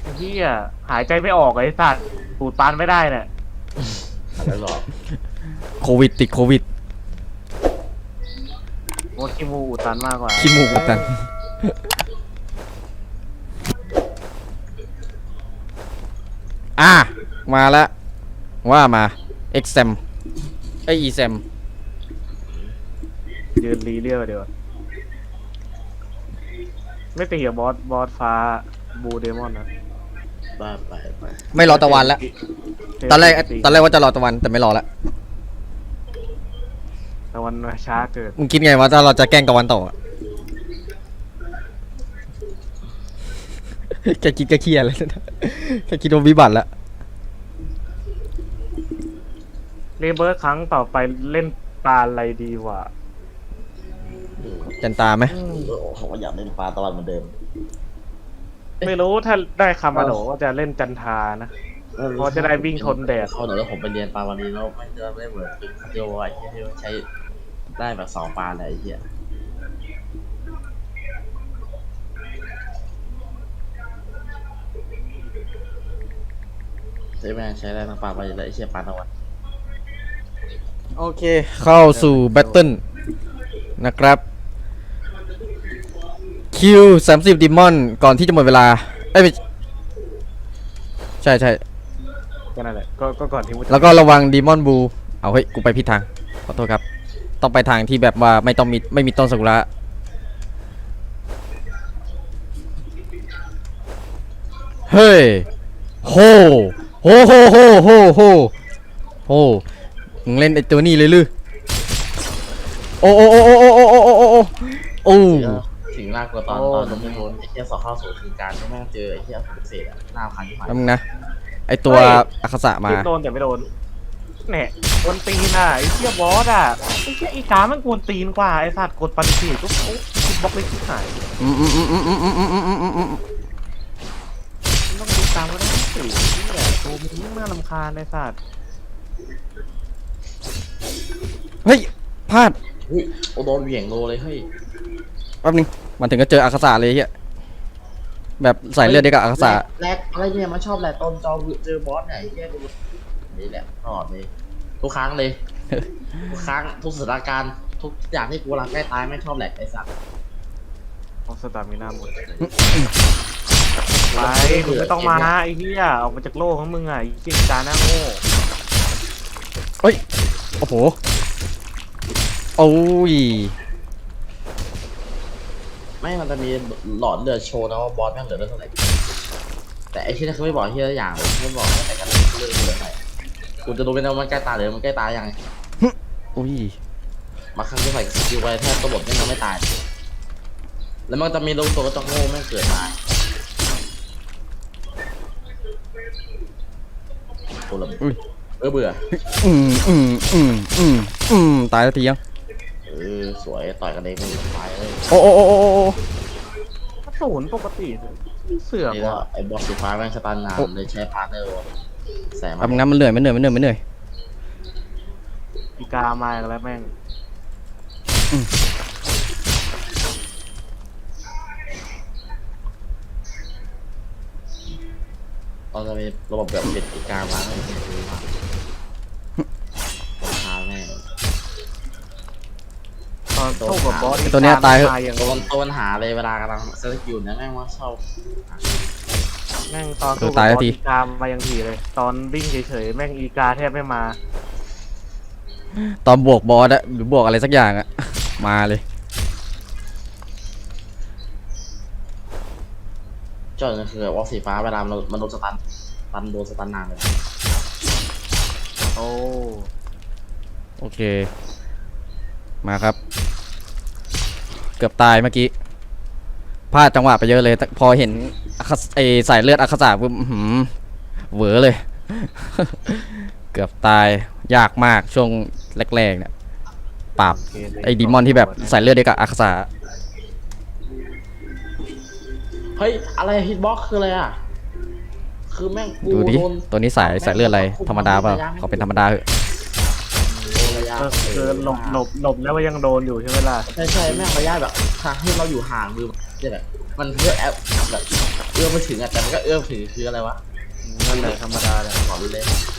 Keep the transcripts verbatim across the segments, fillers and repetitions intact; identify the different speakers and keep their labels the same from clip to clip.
Speaker 1: พี่อ่ะหายใจไม่ออกไอ้สัตว์ปูดปานไม่ได้เนี่ย
Speaker 2: อะไรหรอ
Speaker 3: โควิดติดโควิด
Speaker 1: โมดขี้มูกอุดตันมากกว่า
Speaker 3: ขี้มูกอุดตันอ่ะมาแล้วว่ามา exam ไอ exam
Speaker 1: ยืนรีเรียกเดียวาไม่ตีกับบอสบอสฟ้าบูเดมอนนะ
Speaker 2: บ้าไปไป
Speaker 3: ไม่รอตะวันแล้วตอนแรกตอนแรกว่าจะรอตะวันแต่ไม่รอแล้ว
Speaker 1: ตะวันมาช้าเกิด
Speaker 3: มึงคิดไงว่าถ้าเราจะแกล้งตะวันต่ออะ แกคิดก็เครียดเลยนะแกคิดว่าวิบัติแล้ว
Speaker 1: เรเบิร์ตครั้งต่อไปเล่นปลาอะไรดีวะ
Speaker 3: จันตาไหม
Speaker 2: เขาก็อยากเล่นปลาตะวันเหมือนเดิม
Speaker 1: ไม่รู้ถ้าได้คามาโดก็จะเล่นจันทานะ เพราะจะได้วิ่งทนแดด
Speaker 2: เขาหน่อยแล้วผมไปเรียนปลาวันนี้แล้วไม่จะได้เหมือนเป็นเดียวไอ้เหี้ยที่ใช้ได้แบบสองปลาเลยไอ้เหี้ยใช่ไหมใช้ได้ทั้งปลาไปเลยไอ้เหี้ยปลาตะวัน
Speaker 3: โอเคเข้าสู่แบทเทิลนะครับคิวสามสิบดิมอนก่อนที่จะหมดเวลาเอ้ยไม่ใช่ใช่
Speaker 1: ก็นั่นแหละก็ก็ก่อนที่มุจะ
Speaker 3: แล้วก็ระวังดีมอนบูเอาเฮ้ยกูไปผิดทางขอโทษครับต้องไปทางที่แบบว่าไม่ต้องมีไม่มีต้นซากุระเฮ้ยโหโหโหโหโหโหโหมึงเล่นไอตัวนี้เลยลือโอ้โอ้โอ้โอ้โอ้โอ้โอ้โอ้โอ้โอ้
Speaker 2: สิ่งน่ากลัวตอนตอนลงไม่พ้นไอ้เหี้ยสอบเข้าสู่คือการที่แม่งเจอไอ้เหี้ยฝรั่งเศสอะหน้าคันที่ผ่าน
Speaker 3: แล้วมึงนะไอตัวอาคาสะมา
Speaker 1: ยิงโดนแต่ไม่โดนเนี่ยกวนตีนอ่ะไอ้เหี้ยบอสอ่ะไอ้เหี้ยอีกามันกวนตีนกว่าไอ้สัตว์กดปฏิเสธก็โอ้คิดบล็อกเลยที่หาย
Speaker 3: อืมอืมอืมอืมอืมอืมอืมอืมอืมอืม
Speaker 1: มันต้องดูตามก็ได้สิเนี่ยตัวมันยิ่งน่ารำคาญไอ้สัตว์
Speaker 3: เฮ้ยพลาด
Speaker 2: อุ้ยโอโดนเหวี่ยงโลเลยเฮ้ย
Speaker 3: แป๊บนึงมันถึงก็เจออาคาสะเลยเฮียแบบใส่เลือดเดียวกับอาคาสะ
Speaker 2: แรกอะไรเนี่ยมันชอบแหละตอนจอเจอบอสไหนแค่ดูนี่แหละตลอดเลยทุกครั้งเลย ทุกครั้งทุกสถานการณ์ทุกอย่างที่กูกำลังใกล้ตายไม่ชอบแหลกไอ้สัตว์
Speaker 1: เพราะสตามิน่าหมดไปมึงไม่ต้องมาไอ้เหี้ยออกมาจากโลกของมึงอ่ะไอ้เหี้ยจาหน้าโง่
Speaker 3: เฮ้ยโอ้โหโอ้ย
Speaker 2: ไม่มันจะมีหลอดเลือดโชว์นะว่าบอสแม่งเหลือเลือดเท่าไหร่แต่ไอ้ที่นั่นคือไม่บอกที่ละอย่างเลยไม่บอกแต่กันเลือดเหลือเท่าไหร่กูจะรู้เป็นว่ามันใกล้ตายหรือมันใกล้ตายยังไง
Speaker 3: อุ้ย
Speaker 2: มาครั้งที่ใส่สกิลไว้แทบตัวบทไม่ยังไม่ตายแล้วมันจะมีลูกตัวก็ต้องโง่แม่งเกิดมาโอ้ละ
Speaker 3: อุ้ย
Speaker 2: เออเบื่อ
Speaker 3: อืมอืมอืมอืมอืมตายแล้วทียัง
Speaker 2: เออสวยต่อยกันเองมันตายเลย
Speaker 3: โอ้โอ้โอ้โอ้โอ้
Speaker 1: ถ้าศูนย์ปกติเสือก
Speaker 2: นี่ก็
Speaker 1: ว่ะ
Speaker 2: ไอ้บอสสีฟ้าแม่งสตันนานเลยใช้พาร์ทเนอร์แสบ
Speaker 3: แป๊บนึงนะมันเหนื่อยมันเหนื่อยมันเหนื่อยมันเหนื่อย
Speaker 1: อีกามาอีกแล้วแม่ง
Speaker 2: เราจะมีระบบแบบปิดอีกามาให้มันดูมาราคาแม่ง
Speaker 1: ตอนสู้กับบอส
Speaker 3: ตัวเนี้ยตายเหอะ
Speaker 1: อย่าง
Speaker 2: ตัวมันตัวปัญหาเลยเวลากำลังเซตคิวเนี่ยแม่งว่าชอบ
Speaker 1: แม่งตอนสู้กับบอสอีกามาอย่างทีเลย ตอนวิ่งเฉยๆแม่งอีกาแทบไม่มา
Speaker 3: ตอนบวกบอสอะหรือบวกอะไรสักอย่างอะมาเลย
Speaker 2: จอดคือวอลสีฟ้าเวลามันมันโดนสตันตันโดนสตันนานเลย
Speaker 1: โอ้
Speaker 3: โอเคมาครับ เกือบตายเมื่อกี้พลาดจังหวะไปเยอะเลยแต่พอเห็นอาคาไอสายเลือดอาคาสะปุ๊บอื้อหือเหวอเลย เกือบตายยากมากช่วงแรกๆเนี่ยปราบ
Speaker 1: โอเคเลย
Speaker 3: ไอ้ดีมอนที่แบบสายเลือดเดียวกับอาคาสะ
Speaker 2: เฮ้ยอะไรฮิตบ็อกคืออะไรอ่ะคือแม่งกู
Speaker 3: ดูดิ
Speaker 2: โดน
Speaker 3: ตัวนี้สายสายเลือดอะไรธรรมดาเปล่าเขาเป็นธรรมดาเหอะ
Speaker 2: โดนระยะ
Speaker 1: เออคือหลบหลบหลบแล้วก็ยังโดนอยู่ใช่ไหมล่ะ
Speaker 2: ใช่ใช่แม่งระยะแบบทางที่เราอยู่ห่างมือเนี่ยแบบมันเพื่อแอปแบบเอื้อมไม่ถึงอ่ะแต่มันก็เอื้อมถึงคืออะไรวะ
Speaker 1: นั่นแหละธรรมดาแหละ
Speaker 2: ขอรู้เลย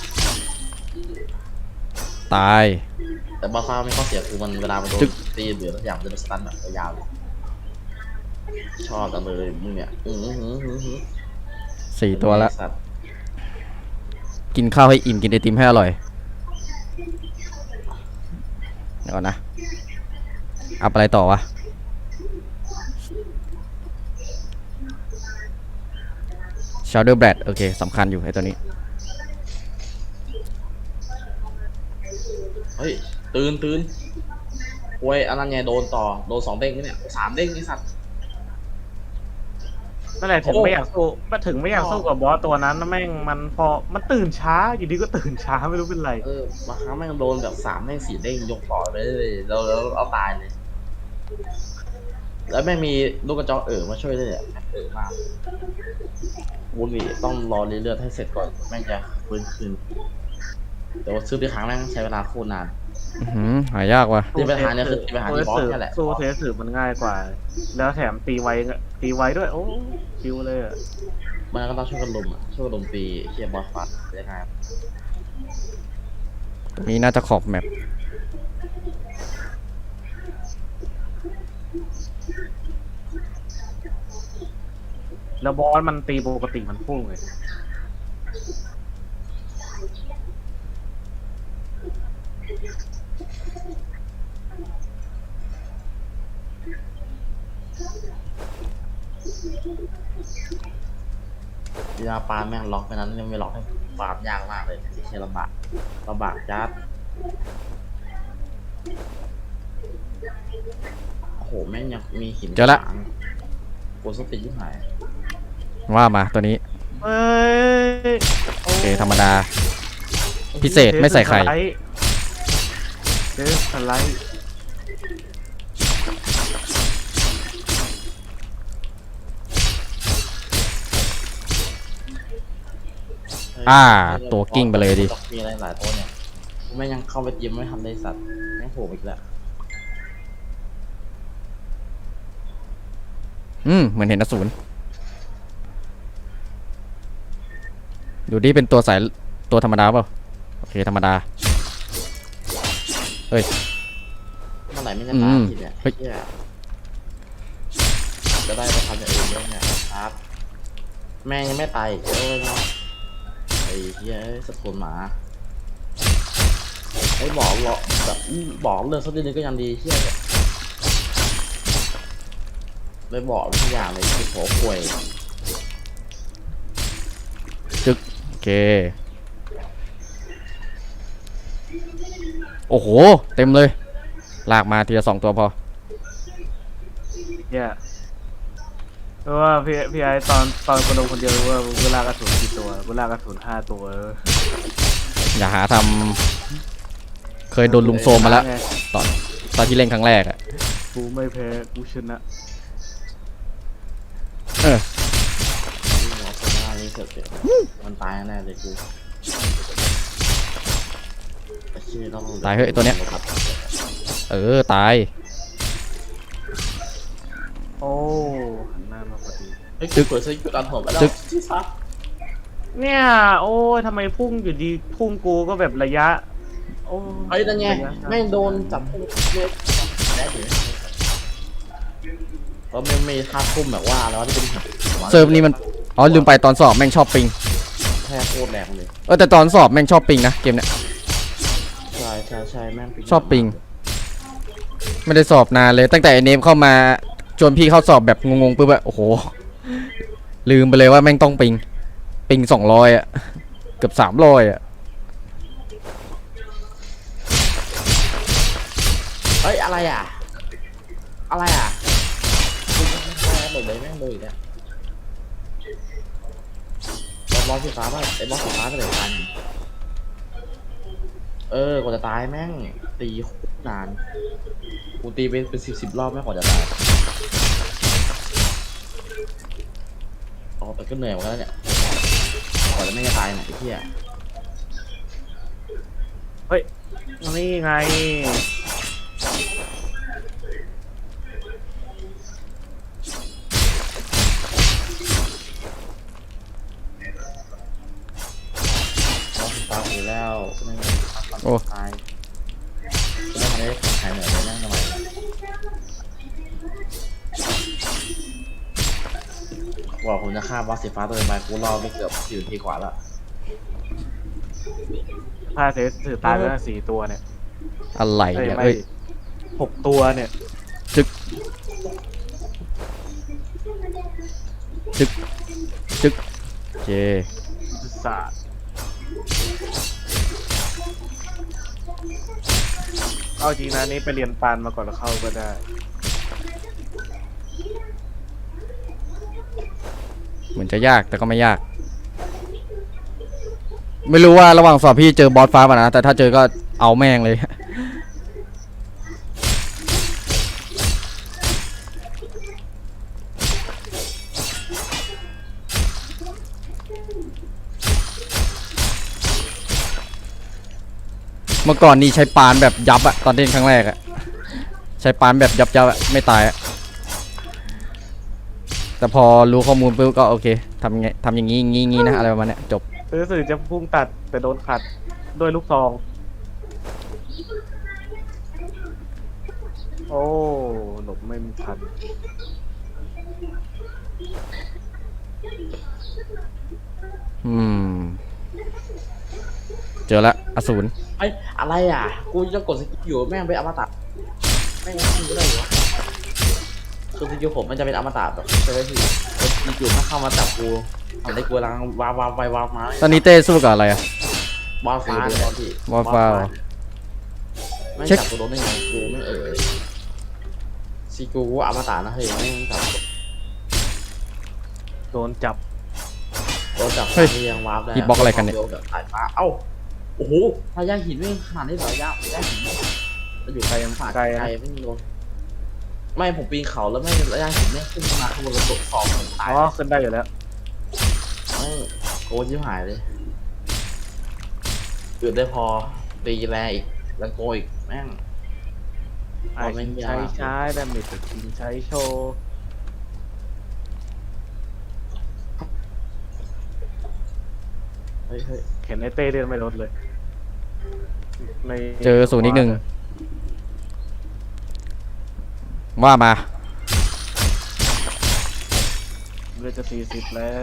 Speaker 3: ตาย
Speaker 2: แต่บอสฟ้าไม่ข้อเสียคือมันเวลามันโดน
Speaker 3: จึ๊ก
Speaker 2: ตีหรือทุกอย่างมันจะเป็นสตันแบบยาวๆเลยชอบจังเลยมึงเนี่ยอือหือหือหือ
Speaker 3: สี่ตัวละ
Speaker 2: สัตว์
Speaker 3: กินข้าวให้อิ่มกินไอติมให้อร่อยเดี๋ยวก่อนนะอัพอะไรต่อวะชาร์เดอร์แบดโอเคสำคัญอยู่ไอตัวนี้
Speaker 2: เฮ้ยตื่นตื่นโว้ยอันนั้นไงโดนต่อโดนสองเด้งนี่เนี่ยสามเด้งนี่สัตว์
Speaker 1: นั่นแหละถึง
Speaker 2: โอ้
Speaker 1: ไม่อยากสู้มาถึงไม่อยากสู้กับบอสตัวนั้นนะแม่งมันพอมันตื่นช้าอยู่ดีก็ตื่นช้าไม่รู้เป็นไร
Speaker 2: เออบางครั้งแม่งโดนแบบสามเด้งสี่เด้งยกต่อไปเลยแล้วแล้วเอาตายเลย แล้วแม่งมีลูกกระจอกเอ๋อมาช่วยด้วยเนี่ยแม่งเอ๋อมากวุ้นนี่ต้องรอเลือดให้เสร็จก่อนแม่งจะฟื้นคืนแต่ว่าซื้อที่ครั้งแม่งใช้เวลาโคตรนาน
Speaker 3: อื้อหือหายากว่ะ
Speaker 2: ตีปัญหาเนี่ยคือตีปัญหาที่บอสนี่แหละ
Speaker 1: สู้เทสสืบมันง่ายกว่า แล้วแถมตีไวตีไวด้วยโอ้คิวเลยอะ
Speaker 2: มันก็ต้องช่วยกันลุมอ่ะช่วยกันลุมตีเคลียร์บอสฟัดยังไง
Speaker 3: มีน่าจะขอบแมป
Speaker 1: แล้วบอสมันตีปกติมันพุ่งเลย
Speaker 2: เวลาปาแม่งล็อกไปนั้นยังไม่ล็อกให้ปาล์มยากมากเลยเคลียร์ลำบากลำบากจัดโอ้โหแม่งยังมีหิน
Speaker 3: เจอละ
Speaker 2: ขวางกูสติยิ่งหาย
Speaker 3: ว่ามาตัวนี้
Speaker 1: เอ้ย
Speaker 3: โอเคธรรมดา พิเศษไม่ใส่ไข่
Speaker 1: เดสสไลด์
Speaker 3: อ่าตัวกิ้งไปเลยดิ
Speaker 2: มีอะไรหลายตัวเนี่ยกูแม่งยังเข้าไปยิ้มไม่ทันเลยสัตว์แม่งโผล่อีกแล้ว
Speaker 3: อืมเหมือนเห็นอสูรดูดิเป็นตัวสายตัวธรรมดาเปล่าโอเคธรรมดาเฮ้ย
Speaker 2: เมื่อไหร่ไม่จะ
Speaker 3: อื
Speaker 2: ตาย
Speaker 3: ม
Speaker 2: ทีเนี่ย
Speaker 3: เฮ้ย
Speaker 2: เหี้ยจะได้ไปทำอย่างอื่นด้วยเนี่ยครับแม่งยังไม่ตายอีกเลยเนาะไอ้เหี้ยสะโพนหมาไอ้บอกหรอกแบบบอกเรื่องสักนิดนึงก็ยังดีเหี้ยเนี่ยเลยบอกทุกอย่างเลยคือโผล่ป่วย
Speaker 3: จึ๊กโอเคโอ้โหเต็มเลยลากมาทีละสองตัวพอ
Speaker 1: เนี่ยเพราะว่าพี่พี่ไอตอนตอนคนลงคนเดียวว่าเวลากระสุนกี่ตัวเวลากระสุนห้าตัว
Speaker 3: อย่าหาทำเคยโดนลุมโซมมาแล้ว
Speaker 1: ไง
Speaker 3: ตอนตอนที่เล่นครั้งแรกอะ
Speaker 1: กูไม่แพ้กูชนะ
Speaker 3: เออ
Speaker 2: หมอโซน่านี่เสร็จเดี๋ยวมันตายแน่เลยกูไอ้เหี้ยต้อง
Speaker 3: ตายเฮ้ยตัวเนี้ยเออตาย
Speaker 1: โอ้หันหน้ามาพอดี
Speaker 2: ไอ้ยกูเปิดสกิลการหัวไปแล้ว
Speaker 3: จึ๊ก
Speaker 2: ที่ซัก
Speaker 1: เนี่ยโอ้ยทำไมพุ่งอยู่ดีพุ่งกูก็แบบระยะโอ้
Speaker 2: ไอ้ยนั่นไง
Speaker 1: ระยะ
Speaker 2: แม่งโดนจับพุ่งเล็กได้ถึงเพราะไม่ไม่ท่าทุ่มแบบว่าแล้วที่เป็นหัว
Speaker 3: เซิร์ฟนี้มันอ๋อลืมไปตอนสอบแม่งชอบปิง
Speaker 2: แค่โคตรแรงเลย
Speaker 3: เออแต่ตอนสอบแม่งชอบปิงนะเกมเนี้ย
Speaker 2: ใช่ใช่ใช่แม่ง
Speaker 3: ชอบปิง ไม่ได้สอบนานเลยตั้งแต่ไอเนมเข้ามาจนพี่เข้าสอบแบบงงๆปุ๊บอะโอ้โหลืมไปเลยว่าแม่งต้องปิงปิงสองร้อยอะเกือบสามร้อยอะ
Speaker 2: เฮ้ยอะไรอ่ะ อะไรอ่ะแม่งเลยแม่งเลยเนี่ยบอสสีฟ้าป่ะไอ้บอสสีฟ้าก็เลยตายเออกว่าจะตายแม่งตีโคตรนานกูตีเป็นเป็นสิบสิบรอบแม่งกว่าจะตายอ๋อแต่ก็เหนื่อยเหมือนกันแล้วเนี่ยกว่าจะไม่จะตายเนี่ยไอ้เหี้ย
Speaker 1: เฮ้ยนี่ไง
Speaker 2: แล้วไม่ได้ทำความตายไม่ทันได้หายเหนื่อยเลยนั่งทำไมบอกผมจะฆ่าบอสสีฟ้าตัวไปกูรอไปเกือบสี่นาทีกว่าแล้ว
Speaker 1: ถ้าเซสถือตายไปแล้วสี่ตัวเนี่ย
Speaker 3: อะไร
Speaker 1: เอ้ย
Speaker 3: เนี่ย
Speaker 1: ไม่
Speaker 3: เอ้ย
Speaker 1: หกตัวเนี่ย
Speaker 3: จึกจึกจึกโอเค
Speaker 1: ศาสตร์เอาจริงนะนี่ไปเรียนปานมาก่อนแล้วเข้าก็ได้
Speaker 3: เหมือนจะยากแต่ก็ไม่ยาก ไม่รู้ว่าระหว่างสอบพี่เจอบอสฟ้าป่ะนะแต่ถ้าเจอก็เอาแม่งเลย เมื่อก่อนนี่ใช้ปานแบบยับอะตอนเล่นครั้งแรกอะใช้ปานแบบยับยับอะไม่ตายอะแต่พอรู้ข้อมูลปุ๊บก็โอเคทำไงทำอย่างงี้งี้งี้นะอะไรประมาณเนี้ยจบ
Speaker 1: รู้สึกจะพุ่งตัดแต่โดนขัดด้วยลูกซอง โอ้หลบไม่ทัน
Speaker 3: อืม เจอละอสูร
Speaker 2: ไอ้อะไรอ่ะกูจะกดสกิลอยู่แม่งเป็นอมตะแม่งทำก็ได้เหรอคือสกิลผมมันจะเป็นอมตะแบบใช่ไหมพี่สกิลถ้าเข้ามาจับกูทำได้กูกำลังวาววาวไปวาวมา
Speaker 3: ตอนนี้เต้สู้กับอะไรอะ
Speaker 2: บอลฟ้าตอนที่
Speaker 3: บอลฟ้าเหรอ
Speaker 2: ไม่
Speaker 3: เช็ค
Speaker 2: จับตัวโดนได้ไงกูไม่เอ่ยซีกูอมตะนะเฮ้ยไม่จับ
Speaker 1: โดนจับ
Speaker 2: โดนจับที่ยังวาร์ปได้
Speaker 3: ฮิตบ็อกอะไรกันเนี่ย
Speaker 2: สายฟ้าเอ้าโอ้โหพายาหินไม่ขนาดนี้เหรอยากพายาหินจะอยู่ไกลยังผ่านไกลไม่โดนไม่ผมปีนเขาแล้วไม่ระยะหินไม่ขึ้นมาข้างบนระบบสองตาย
Speaker 1: อ๋อขึ้นได้อยู่แล้ว
Speaker 2: ไม่โกนชิบหายเลยเกิดได้พอตีแรงอีกแล้วโกอีกแม่ง
Speaker 1: ไอ้ชิงใช้ใช้ดาเมจชิงใช้โชว์
Speaker 2: เฮ้ยเฮ้ย
Speaker 1: เห็นไอ้เต้เดินไม่ลดเลยใน
Speaker 3: เจอศูนย์อีกหนึ่งว่ามา
Speaker 1: เลือดจะสี่สิบแล้ว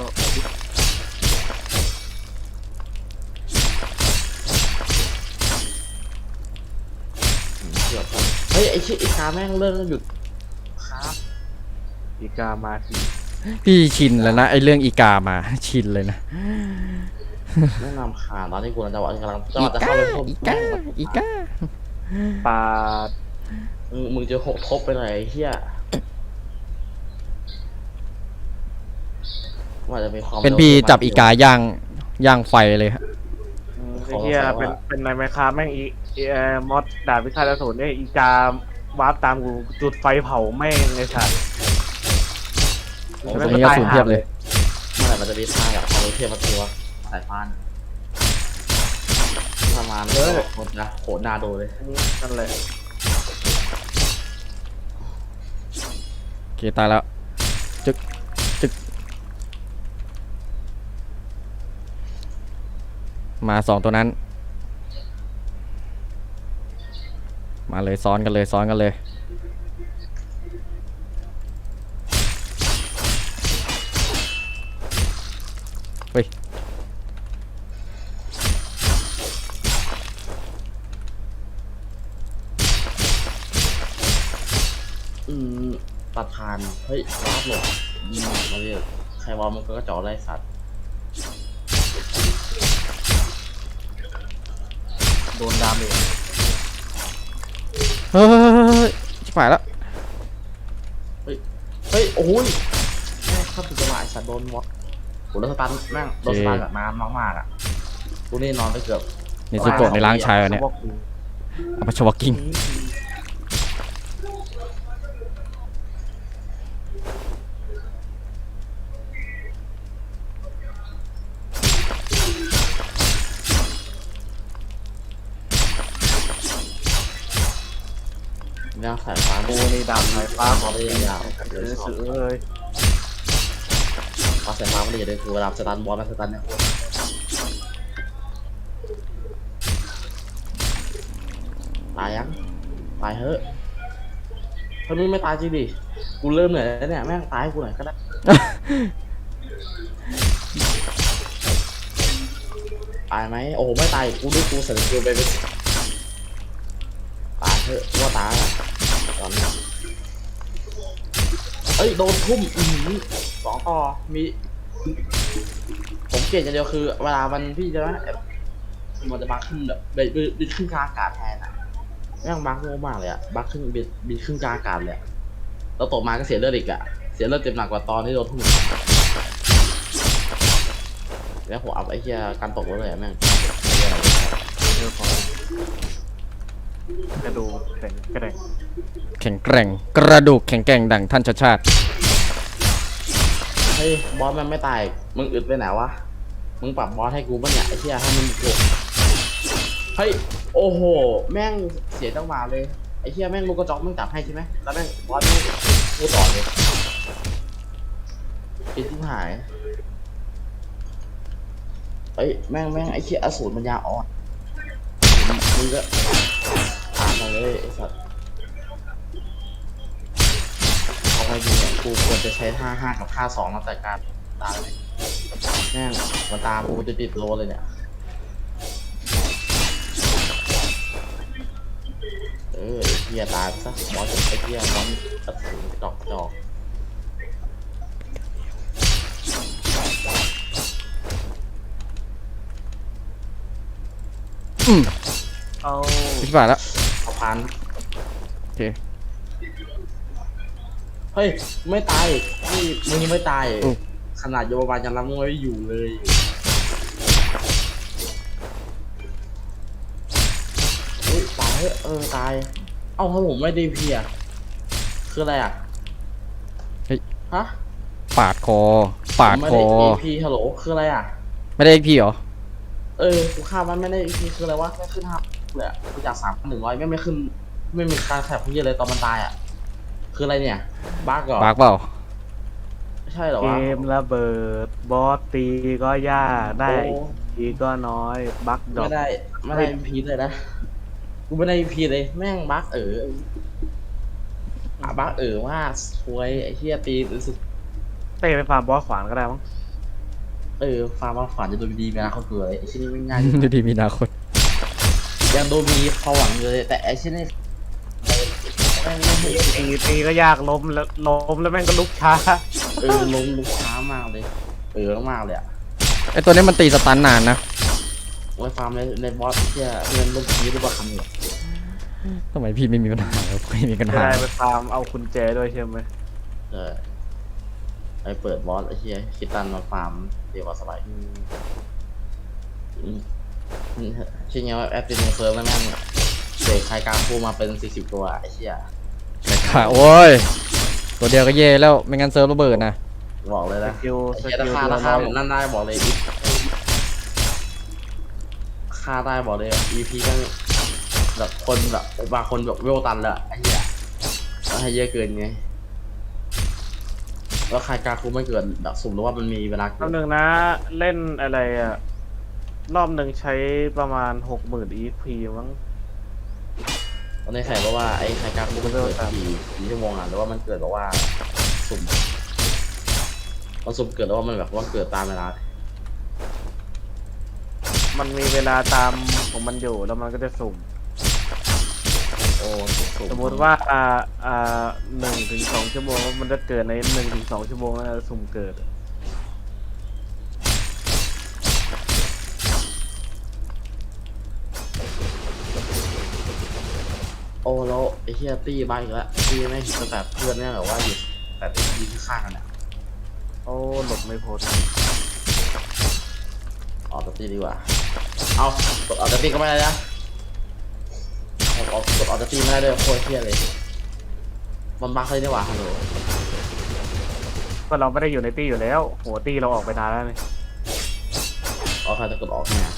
Speaker 2: เกือบครับเฮ้ยไอ้ชิไอ้คาแม่งเลิกหยุดครับ
Speaker 1: อีกามาที
Speaker 3: พี่ชินแล้วนะไอเรื่องอีกามา ชินเลยนะ
Speaker 2: แนะนำขาตอนที่กูจังหวะกำลังจังหวะจะเข้าไปพบ
Speaker 3: อีกาอีกา
Speaker 1: ปาด
Speaker 2: มึงมึงจะหกทบไปหน่อยไอ้เฮียว่าจะมีความ
Speaker 3: เป็นพี่จับอีกาย่างย่างไฟเลยฮะ
Speaker 1: อืมไอ้เหี้ยเป็นเป็นในไมค้าแม่งอีอีเอ่อมอสดาบพิฆาตอสูรเนี่ยอีกาวาร์ปตามกูจุดไฟเผาแม่งไอ้สัตว์
Speaker 3: โอ้ตรงนี้ก็สูญเทียบเลย
Speaker 2: เมื่อไหร่มันจะมีทางกับความรู้เทียมมาตัวสายพานประมาณเออหมดนะโหนาโดเลย
Speaker 1: นั่นแหละ
Speaker 3: โอเคตายแล้วจึกจึกมาสองตัวนั้น มาเลยซ้อนกันเลยซ้อนกันเลยเฮ้ย
Speaker 2: อืมประธานเฮ้ยรับหลบอืมมาเรียกใครว่ามันก็จ่อได้สัตว์
Speaker 1: โดนดาเมจ
Speaker 3: เฮ้ยชิบหายแล้ว
Speaker 2: เฮ้ยโอ้ยแม่งเข้าถึงจังหวะไอ้สัตว์โดนมดโหแล้วสตันแม่งโดนสตันแบบนานมากๆอ่ะกูนี่นอนไปเกือบ
Speaker 3: นี่สุโกะในร่างชายวะเนี่ยเอาไปชวกิ้ง
Speaker 2: ย่างสายฟ้า
Speaker 1: กูนี่ดาบสายฟ้า
Speaker 2: ฟ้า
Speaker 1: ข
Speaker 2: ข
Speaker 1: อ
Speaker 2: อง ง
Speaker 1: จ
Speaker 2: ได้
Speaker 1: ริง
Speaker 2: ยาว
Speaker 1: เอ
Speaker 2: เลย
Speaker 1: อ
Speaker 2: ชอบ
Speaker 1: สื่อเลย
Speaker 2: ฟ้าสายฟ้าไม่ได้เลยคือเวลาสตันบอลมาสตันเนี่ยตายยังตายเฮ้ยถ้ามึงไม่ตายจริงดิกูเริ่มเหนื่อยแล้วเนี่ยแม่งตายให้กูหน่อยก็ได้ตายไหมโอ้โหไม่ตายกูด้วยกูเสร็จกูไปเป็นตายเถอะกูว่าตายอะตอนนี้เอ้ยโดนทุ่มอือสองต่อมีผมเกลียดอย่างเดียวคือเวลามันพี่จะว่ามันจะบักขึ้นแบบบินบินขึ้นกลางอากาศแทนอะแม่งบักโง่มากเลยอะบักขึ้นบินบินขึ้นกลางอากาศเลยอะแล้วตกมาก็เสียเลือดอีกอะเสียเลือดเต็มหนักกว่าตอนที่โดนทุ่มแล้วผมเอาไอ้เหี้ยการตกเลยอะแม่ง
Speaker 1: เรื่องของกระดูกแข็งแกร่ง
Speaker 3: แข็งแกร่งกระดูกแข็งแกร่งดังท่านชาติชาติ
Speaker 2: เฮ้ยบอสมันไม่ตายมึงอึดไปไหนวะมึงปรับบอสให้กูบ้างเนี่ยไอ้เหี้ยให้มันโกรธเฮ้ยโอ้โหแม่งเสียจังหวะเลยไอ้เหี้ยแม่งลูกกระจอกมึงจับให้ใช่ไหมแล้วแม่งบอสแม่งกูต่อเลยคิดที่หายเอ้ยแม่งแม่งไอ้เหี้ยอสูรมันยาอ่อนมึงก็ตามมาเลยไอ้สัตว์เอาไงดีเนี่ยกูควรจะใช้ท่าห้ากับท่าสองมาจัดการตามเลยแม่งมันตามกูจะติดโลเลยเนี่ยเออไอ้เหี้ยตายไปซะมอสไอ้เหี้ยมอสกระสุนดอกจอก
Speaker 3: อืม
Speaker 1: เอา
Speaker 3: พิบาทแล้ว
Speaker 2: เอาพัน
Speaker 3: โอเค
Speaker 2: เฮ้ยไม่ตายนี่มึงยังไม่ตายขนาดโยบายยังรับมึงไว้อยู่เลยเฮ้ยตายเออตายเอ้าถ้าผมไม่ได้เพียคืออะไรอ่ะ
Speaker 3: เฮ้ย
Speaker 2: ฮะ
Speaker 3: ปาดคอปาด
Speaker 2: ไม่
Speaker 3: ค
Speaker 2: ได้
Speaker 3: อ
Speaker 2: เอพีฮัลโหลคืออะไรอ่ะ
Speaker 3: ไม่ได้เอ็กพีเหรอ
Speaker 2: เออกูฆ่ามันไม่ได้เอพีคืออะไรวะไม่ขึ้นห้าเลยอ่ะกูจากสามหนึ่งร้อยไม่ไม่ขึ้นไม่มีการแถบพี่เลยตอนมันตายอ่ะคืออะไรเนี่ยบั๊กเหรอ
Speaker 3: ปากเปล่า
Speaker 2: ไม่ใช่เหรอ
Speaker 1: เก
Speaker 2: วะ
Speaker 1: มระเบิดบอสตีก็ยากได้
Speaker 2: โอ้
Speaker 1: ทีก็น้อยบั๊กดอก
Speaker 2: ไม่ได้ไม่ได้พีเลยนะกูไม่ได้พีเลยแม่งบั๊กเอออ่ะบั๊กเออมากสวยไอ้เหี้ยตีรู้สึก
Speaker 1: เต้ไปฟาร์มบอสขวานก็ได้มั้ง
Speaker 2: เออฟาร์มมาฝันจะโดนดีไหมนะเขาเกลือไอ้ชิ้นนี้ไม่ง่าย
Speaker 3: ดูดีมีนาคต
Speaker 2: ยังโดนมีเขาหวังอยู่เลยแต่ไอ้ชิ้นนี้แม่งไม่เห็น
Speaker 1: ตีตีก็ยากล้มแล้วล้มแล้วแม่งก็ลุกช้า
Speaker 2: เออลงลุกช้ามากเลยเออมากเลยอ่ะ
Speaker 3: ไอตัวนี้มันตีสตันนานนะ
Speaker 2: ไว้ฟาร์มในในบอสเที่ยเงินลงทีหรือว่าคำเนี่ย
Speaker 3: ทำไมพี่ไม่มีปัญหาแล้วไม่มีปัญ
Speaker 1: จะ
Speaker 3: หา
Speaker 1: ได้ไปฟาร์มเอาคุณแจด้วยใช่ไหม
Speaker 2: เออไอเปิดบอสไอ้เหี้ยคิดตันมาฟาร์มเดียวกว่าสบายอืมชิ้นเงี้ยแอปตินเซิร์ฟแล้วแม่งเสกใครกลางพูมาเป็นสี่สิบตัวไอ้เหี้ย
Speaker 3: แต่ขาโอ้ย ตัวเดียวก็เย่แล้วไม่งั้นเซิร์ฟระเบิดนะ
Speaker 2: บอกเลย
Speaker 1: ส
Speaker 2: นะ
Speaker 1: กิล
Speaker 2: ไอ้
Speaker 1: ส
Speaker 2: เหี้ย
Speaker 1: กิ
Speaker 2: รา
Speaker 1: ล
Speaker 2: คา
Speaker 1: ตัว
Speaker 2: ราคา
Speaker 1: น้อย
Speaker 2: ผมนั่นได้บอกเลยค่าได้บอกเลย อี พี ก็แบบคนแบบบางคนแบบเวลตันเลยไอ้เหี้ยแล้วให้เยอะเกินไงแล้วใครกลางคูไม่เกินแบบสุ่มหรือว่ามันมีเวลา
Speaker 1: รอบหนึ่งนะเล่นอะไรอ่ะรอบหนึ่งใช้ประมาณหกหมื่นอีพีมั้ง
Speaker 2: ตอนนี้ใครบอกว่าไอ้ใครกลางคูมันเกิดกี่กี่ชั่วโมงอ่ะหรือว่ามันเกิดแบบว่าสุ่มมันสุ่มเกิดแล้วว่ามันแบบว่าเกิดตามเวลา
Speaker 1: มันมีเวลาตามของมันอยู่แล้วมันก็จะสุ่ม
Speaker 2: โอ้สุ่
Speaker 1: สมมติว่าอ่าอ่าหนึ่งถึงสองชั่วโมงมันจะเกิดในหนึ่งถึงสองชั่วโมงแล้วสุ่มเกิด
Speaker 2: โอ้แล้วไอ้เฮียตี้บ้าอีกแล้วตี้ไม่เห็นแบบเพื่อนเนี่ยแบบว่าอยู่แต่ตีข้างกันอ่ะ
Speaker 1: โอ้หลบไม่พ้น
Speaker 2: ออกจากตีดีกว่าเอากดออกจากตีก็ไม่ได้นะออกออกกดออกจากตีไม่ได้ด้วยโคตรเฮียเลยมันบั๊กเลยดีกว่าฮัลโหล
Speaker 1: ก็เราไม่ได้อยู่ในตี้อยู่แล้วโหตี้เราออกไปนานแล้วนี่
Speaker 2: เอาใครจะกดออกเนี่ย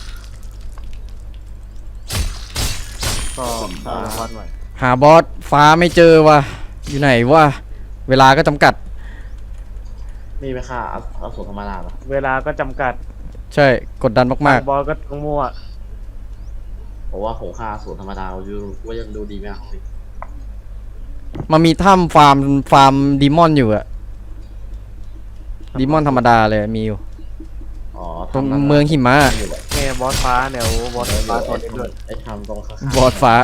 Speaker 1: ก็สร้างวันใหม่
Speaker 3: หาบอสฟ้าไม่เจอว่ะอยู่ไหนวะเวลาก็จำกัด
Speaker 2: มีไหมค่าเอาเอาสูตรธรรมดาปะ
Speaker 1: เวลาก็จำกัด
Speaker 3: ใช่กดดันมาก
Speaker 1: บอลก็ต้องมั่ว
Speaker 2: อบอกว่าของค่าสูตรธรรมดาอยู่ว่ายังดูดีไหมอ่ะ
Speaker 3: มันมีถ้ำฟาร์มฟาร์มดีมอนอยู่อะดีมอนธรรมดาเลยมีอยู่
Speaker 2: อ๋อ
Speaker 3: ตรง
Speaker 2: ทำนั้น
Speaker 3: เมืองหิมะ
Speaker 2: อยู่แหละ
Speaker 1: แง่บอสฟ้าเนี่ยโอ้บอส
Speaker 2: เออ
Speaker 1: ฟ้า
Speaker 2: ไอ้
Speaker 1: ตัวนี้ด้วย
Speaker 2: ไอ้ทำตรงข้าง
Speaker 3: บอสฟ้า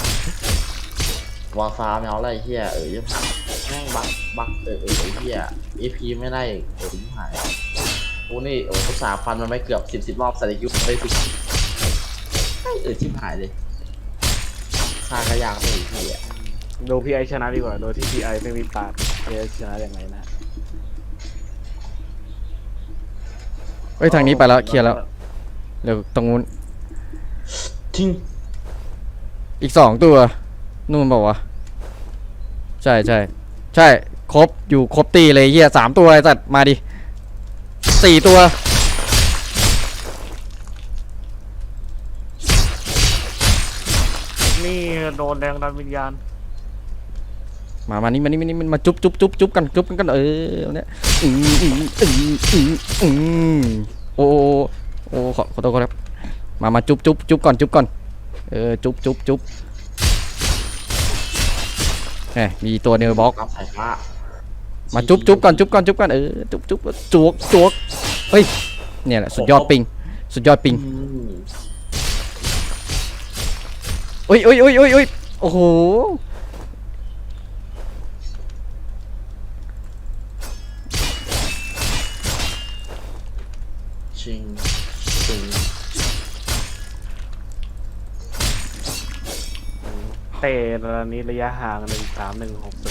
Speaker 2: วอลฟ้าไม่เอาอะไรเฮียเออยังแม่งบักบักเออเออไอ้เฮียเอพีไม่ได้เออยิ่งหายกูนี่โอ้ภาษาฟันมันไม่เกือบสิบสิบรอบใส่ยุคไปสิเออชิบหายเลยค่ากระยากไปอีกทีอ่ะ
Speaker 1: ดูพีไอชนะดีกว่าโดยที่พีไอไม่มีปาดพีไอชนะอย่างไรนะ
Speaker 3: เฮ้ยทางนี้ไปแล้วเคลียร์แล้วเดี๋ยวตรงนู้น
Speaker 2: ทิ้ง
Speaker 3: อีกสองตัวนู่นบอกว่าวะใช่ใช่ใช่ครบอยู่ครบตีเลยเฮียสามตัวไอ้สัตว์มาดิสี่ตัว
Speaker 1: นี่โดนแรงดันวิญญาณ
Speaker 3: มามานี่มานี่มานี่มันมาจุ๊บจุ๊บจุ๊บจุ๊บกันจุ๊บกันกันเออเนี่ยอืมอืมอืมอืมอืมโอ้โอ้ขอขอโทษครับมามาจุ๊บจุ๊บจุ๊บก่อนจุ๊บก่อนเออจุ๊บจุ๊บจุ๊บเอ้ยมีตัวเนวบล็อก
Speaker 2: รับสายฟ้า
Speaker 3: มาจุ๊บจุ๊บก่อนจุ๊บก่อนจุ๊บก่อนเออจุ๊บจุ๊บจวกจวกเฮ้ยเนี่ยแหละสุดยอดปิงสุดยอดปิง
Speaker 2: อืม
Speaker 3: โอ้ยโอ้ยโอ้ยโอ้ยโอ้ยโอ้โห
Speaker 2: ชิงชิง
Speaker 1: เตะระนี้ระยะห่างหนึ่งสามหนึ่งหก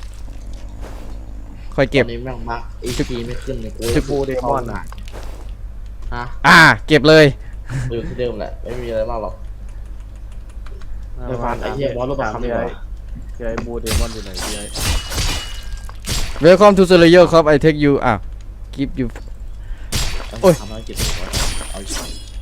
Speaker 3: ค่อย
Speaker 2: ต
Speaker 3: เก็
Speaker 2: อบ นนี้แม่งบักเอพีไม่ขึ้นเลยกู
Speaker 3: จึ๊บ
Speaker 2: พูดได้มอนอ่ะฮะ
Speaker 3: อ่าเก็บเลย
Speaker 2: อยู่ที่เดิมแหละไม่มีอะไรมากหรอก เดี๋ยวฟังไอ้เหี้ยบอสรูปประคำดีกว่า
Speaker 1: พีไอบูเดมอนอยู่ไหนพีไอ
Speaker 3: Welcome to Slayer ครับ I take you อ่ะ keep you โอ้ย
Speaker 2: ทำภารกิจก่อนเอาอีก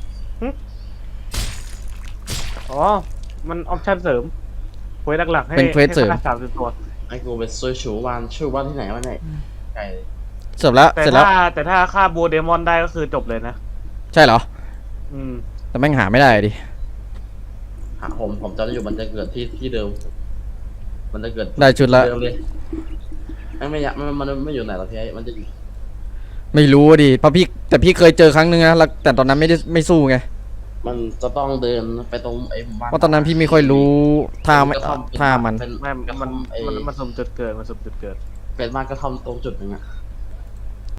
Speaker 1: อ๋อมันออปชั่นเสริมเควสหลักๆให้
Speaker 3: เป็นเควสเสริม
Speaker 1: ให้สามสิบตัว
Speaker 2: ไอ้กูไปซื้อชูวันชื่อวันที่ไหนวะเนี่ยไก่
Speaker 3: เสร็จแล้ว
Speaker 1: แต่
Speaker 3: เสร็จแล้ว
Speaker 1: ถ้าแต่ถ้าฆ่าบูเดมอนได้ก็คือจบเลยนะ
Speaker 3: ใช่เหรอ
Speaker 1: อืม
Speaker 3: แต่แม่งหาไม่ได้ดิ
Speaker 2: หาผมผมจะได้อยู่มันจะเกิดที่ที่เดิม มันจะเกิด
Speaker 3: ได้ชุดละ
Speaker 2: เดิมเลยไม่ไม่อยากมันมันไม่อยู่ไหนหรอกพี่ไอ้มันจะอยู่
Speaker 3: ไม่รู้ดิเพราะพี่แต่พี่เคยเจอครั้งนึงนะแล้วแต่ตอนนั้นไม่ได้ไม่สู้ไง
Speaker 2: มันจะต้องเดินไปตรงไอ้หมู่บ้าน
Speaker 3: เพราะตอนนั้นพี่ไม่ค่อยรู้ท่าไม่
Speaker 2: กระท่อมเป็น
Speaker 3: ท่ามัน
Speaker 2: เป็น
Speaker 1: ไม่
Speaker 2: กระท่
Speaker 1: มั
Speaker 2: อน มไอ้
Speaker 1: มันมันสมจุดเกิดมันสมจุดเกิด
Speaker 2: เป็นบ้านกระท่อมตรงจุดหนึ่งอะ